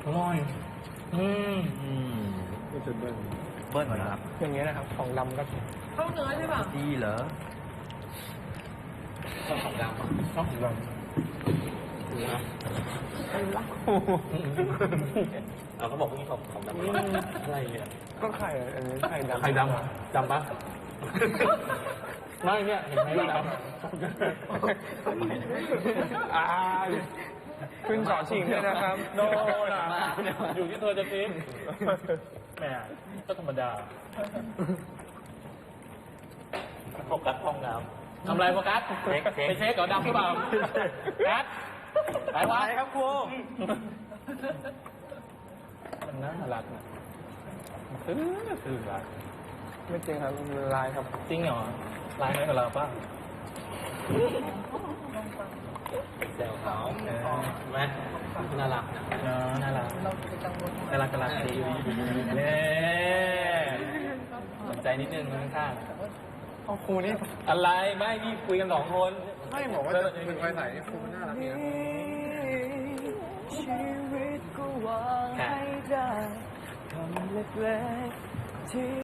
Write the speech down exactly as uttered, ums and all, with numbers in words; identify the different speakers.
Speaker 1: อร่อยอืม
Speaker 2: อืม
Speaker 3: ก็จะเบิ้ล
Speaker 2: เบิ้ลนะครับ
Speaker 1: อย่างเงี้ยนะครับของดำก็
Speaker 4: เข้าเนื้อใช่ป่ะ
Speaker 2: ดีเหรอ
Speaker 1: ชอบของดำชอบของดำดูนะเอาเขาบอกว่ามีของของดำอะไรเนี่ยก็ไข่อันนี้ไข่ดำไข่ดำดำปะไม่เนี่ยเห็นไหมดำอ่าขึ้นสอนชิงด้วยนะครับโน่นะอยู่ที่เธอจะคิดแหมก็ธรรมดาโฟกัสห้องน้ำทำไรโฟกัสเช็คไปเช็คก่อนดำหรือเปล่าแอดไปวะครับครูมันน่ารักนะคือคือรักไม่จริงครับมันลายครับจริงเหรอลายไหมกับเราป่ะเจ้าเขาไหมน่ารักนะน่ารักน่ารักน่ารักดีเนี่ยสนใจนิดนึงข้างๆเอาครูนี่อะไรไม่นี่คุยกันสองคนไม่บอกว่าจะเป็นไฟใสครูมันน่ารักดีนะชีวิตก็วางให้ได้คำเล็กๆที่